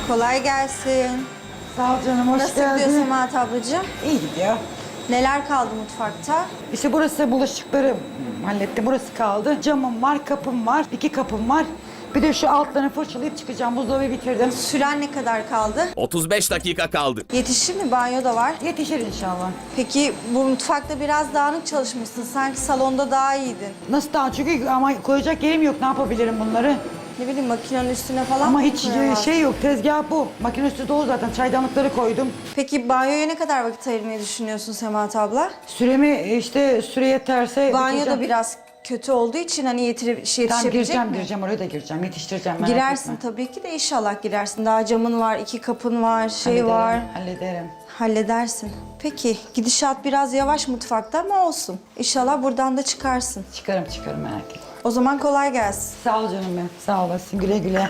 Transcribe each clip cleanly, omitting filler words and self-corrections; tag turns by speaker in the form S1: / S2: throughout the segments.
S1: Kolay gelsin.
S2: Sağ ol canım, hoş
S1: Nasıl
S2: geldin.
S1: gidiyor Semahat ablacığım?
S2: İyi gidiyor.
S1: Neler kaldı mutfakta?
S2: İşte burası bulaşıkları hallettim. Burası kaldı. Camım var, kapım var, 2 kapım var. Bir de şu altlarını fırçalayıp çıkacağım. Buzdolabı bitirdim.
S1: Süren ne kadar kaldı?
S3: 35 dakika kaldı.
S1: Yetişir mi? Banyo da var.
S2: Yetişir inşallah.
S1: Peki bu mutfakta biraz dağınık çalışmışsın. Sanki salonda daha iyiydin.
S2: Nasıl daha? Çünkü ama koyacak yerim yok. Ne yapabilirim bunları?
S1: Ne bileyim makinenin üstüne falan
S2: Ama
S1: mı
S2: hiç
S1: koyamazsın?
S2: şey yok. Tezgah bu. Makine üstü dolu zaten. Çaydanlıkları koydum.
S1: Peki banyoya ne kadar vakit ayırmayı düşünüyorsun Semahat abla?
S2: Süremi işte süre yeterse
S1: Banyo da
S2: bitireceğim.
S1: biraz kötü olduğu için hani
S2: Tamam
S1: yetişebilecek mi?
S2: gireceğim. Oraya da gireceğim. Yetiştireceğim. Merak
S1: Girersin
S2: etme.
S1: tabii ki de inşallah girersin. Daha camın var, 2 kapın var,
S2: Hallederim,
S1: var.
S2: Hallederim.
S1: Halledersin. Peki gidişat biraz yavaş mutfakta ama olsun. İnşallah buradan da çıkarsın.
S2: Çıkarım merak etme.
S1: O zaman kolay gelsin.
S2: Sağ ol canım benim. Sağ olasın. Güle güle.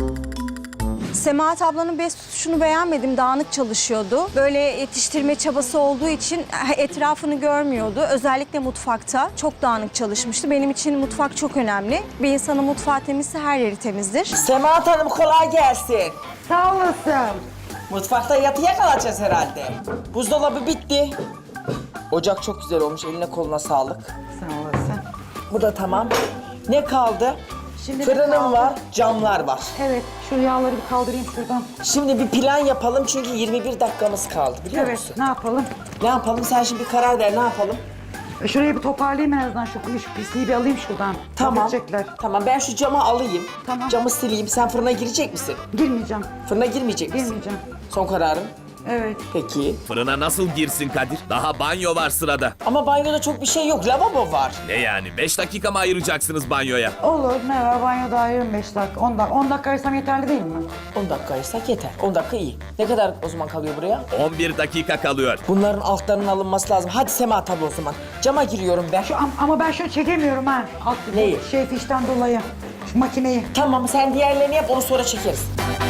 S1: Semahat ablanın bez tutuşunu beğenmedim. Dağınık çalışıyordu. Böyle yetiştirme çabası olduğu için etrafını görmüyordu. Özellikle mutfakta çok dağınık çalışmıştı. Benim için mutfak çok önemli. Bir insanın mutfağı temizse her yeri temizdir.
S4: Semahat Hanım kolay gelsin.
S2: Sağ olasın.
S4: Mutfakta yatıya kalacağız herhalde. Buzdolabı bitti. Ocak çok güzel olmuş. Eline koluna sağlık.
S2: Sağ olasın.
S4: Bu da tamam. Ne kaldı?
S2: Şimdi
S4: Fırınım
S2: kaldı.
S4: var, camlar var.
S2: Evet, şu yağları bir kaldırayım şuradan.
S4: Şimdi bir plan yapalım çünkü 21 dakikamız kaldı biliyor
S2: Evet,
S4: musun?
S2: ne yapalım?
S4: Ne yapalım? Sen şimdi bir karar ver ne yapalım?
S2: Şurayı bir toparlayayım en azından, şu pisliği bir alayım şuradan.
S4: Tamam.
S2: Edecekler.
S4: Tamam ben şu camı alayım.
S2: Tamam.
S4: Camı sileyim. Sen fırına girecek misin?
S2: Girmeyeceğim,
S4: Fırına girmeyecek misin?
S2: girmeyeceğim.
S4: Son kararın.
S2: Evet.
S4: Peki.
S3: Fırına nasıl girsin Kadir? Daha banyo var sırada.
S4: Ama banyoda çok bir şey yok. Lavabo var.
S3: Ne yani? 5 dakika mı ayıracaksınız banyoya?
S2: Olur, ne var? Banyoda ayırırım 5 dakika, 10 dakika. 10 dakika ayırsam yeterli değil mi?
S4: 10 dakika ayırsak yeter. 10 dakika iyi. Ne kadar o zaman kalıyor buraya?
S3: 11 dakika kalıyor.
S4: Bunların altlarının alınması lazım. Hadi Semahat abla o zaman. Cama giriyorum ben.
S2: Ama ben şunu çekemiyorum ha. Alt,
S4: Neyi?
S2: Fişten dolayı. Şu makineyi.
S4: Tamam sen diğerlerini yap onu sonra çekeriz.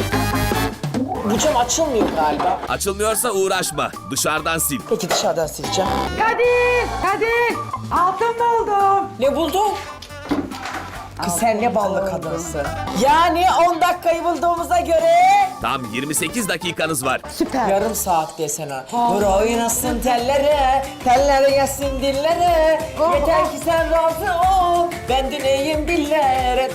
S4: Bu cam açılmıyor galiba.
S3: Açılmıyorsa uğraşma. Dışarıdan sil.
S4: Peki dışarıdan sileceğim.
S2: Kadir! Altın buldum.
S4: Ne buldun? Kız sen ne ballı kadınsın. Yani 10 dakikayı bulduğumuza göre
S3: Tam 28 dakikanız var.
S2: Süper.
S4: yarım saat desene. Vur oynasın tellere, teller gelsin dillere. Yeter ki sen razı ol, ben dinleyeyim dillere.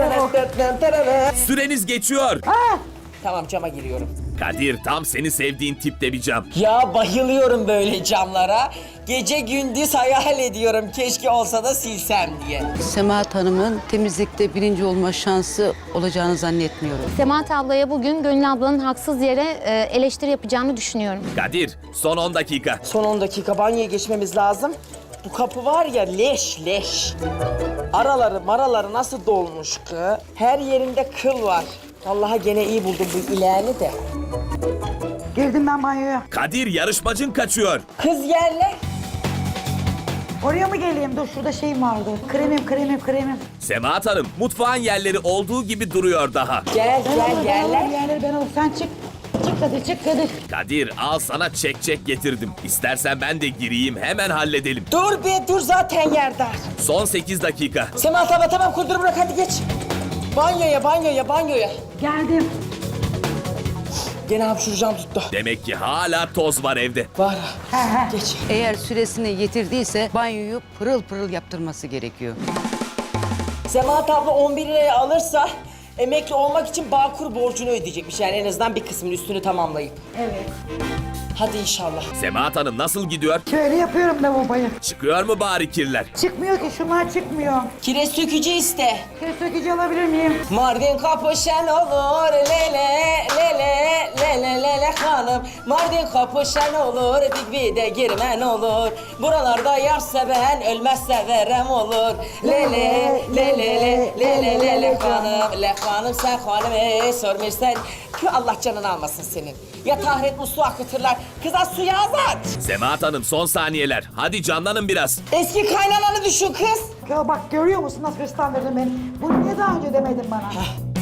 S3: Süreniz geçiyor.
S4: Tamam cama giriyorum.
S3: Kadir tam seni sevdiğin tipte bir cam.
S4: Ya bayılıyorum böyle camlara. Gece gündüz hayal ediyorum keşke olsa da silsem diye.
S5: Semahat Hanım'ın temizlikte birinci olma şansı olacağını zannetmiyorum.
S6: Semahat ablaya bugün Gönül ablanın haksız yere eleştiri yapacağını düşünüyorum.
S3: Kadir son 10 dakika.
S4: Son 10 dakika banyoya geçmemiz lazım. Bu kapı var ya leş. Maraları nasıl dolmuş ki? Her yerinde kıl var. Vallahi gene iyi buldum bu ileğini de.
S2: Girdim ben banyoya.
S3: Kadir yarışmacın kaçıyor.
S4: Kız yerler.
S2: Oraya mı geleyim? Dur, şurada şeyim vardı. Kremim.
S3: Semahat Hanım mutfağın yerleri olduğu gibi duruyor daha.
S4: Gel yerler.
S2: Yerleri ben alayım. Sen çık. Çık Kadir.
S3: Kadir al sana çek getirdim. İstersen ben de gireyim hemen halledelim.
S4: Dur zaten yer dar.
S3: Son 8 dakika.
S4: Semahat abla tamam kurdur bırak hadi geç. Banyoya.
S2: Geldim.
S4: Gene hapşuracağım tuttu.
S3: Demek ki hala toz var evde.
S4: Var. Geç.
S5: Eğer süresini yitirdiyse banyoyu pırıl pırıl yaptırması gerekiyor.
S4: Semahat abla 11 liraya alırsa emekli olmak için Bağkur borcunu ödeyecekmiş. Yani en azından bir kısmının üstünü tamamlayıp.
S2: Evet.
S4: Hadi inşallah.
S3: Semahat Hanım nasıl gidiyor?
S2: Şöyle yapıyorum lavaboyu.
S3: Çıkıyor mu bari kirler?
S2: Çıkmıyor ki, şunlar çıkmıyor.
S4: Kireç sökücü iste.
S2: Kere sökücü alabilir miyim?
S4: Mardin kapı şen olur lele hanım. Mardin kapı şen olur dikbi de girmen olur. Buralarda yar seven ölmezse verem olur. Lele hanım. Le hanım sen hanım sormuşsan. Allah canını almasın senin. Ya tahret musluğu akıtırlar. Kıza suya azat.
S3: Semahat Hanım son saniyeler. Hadi canlanın biraz.
S4: Eski kaynananı düşün kız.
S2: Ya bak, görüyor musun nasıl hırslandırdın beni? Bunu niye daha önce demedin bana?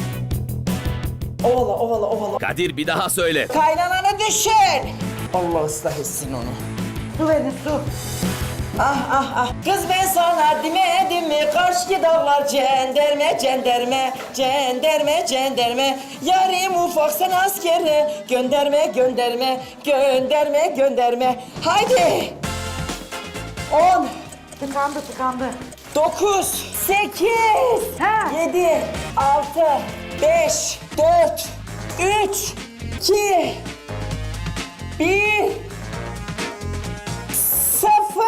S4: Ovala.
S3: Kadir bir daha söyle.
S4: Kaynananı düşün. Allah ıslah etsin onu.
S2: Su verin, su.
S4: Ah ah ah. Kız ben sana demedim mi? Karşı dağlar cenderme, cenderme, cenderme, cenderme. Yarim ufak sen askere. Gönderme, gönderme, gönderme, gönderme. Haydi. 10,
S2: Tıkandı.
S4: 9, 8,
S2: Ha.
S4: 7, 6, 5, 4, 3, 2, 1, 0.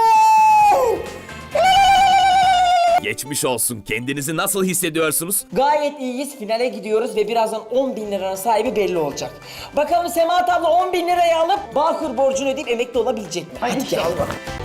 S3: Geçmiş olsun. Kendinizi nasıl hissediyorsunuz?
S4: Gayet iyiyiz. Finale gidiyoruz ve birazdan 10.000 liranın sahibi belli olacak. Bakalım Semahat abla 10.000 lirayı alıp Bağkur borcunu ödeyip emekli olabilecek mi?
S2: Ay
S4: Hadi gel.
S2: inşallah.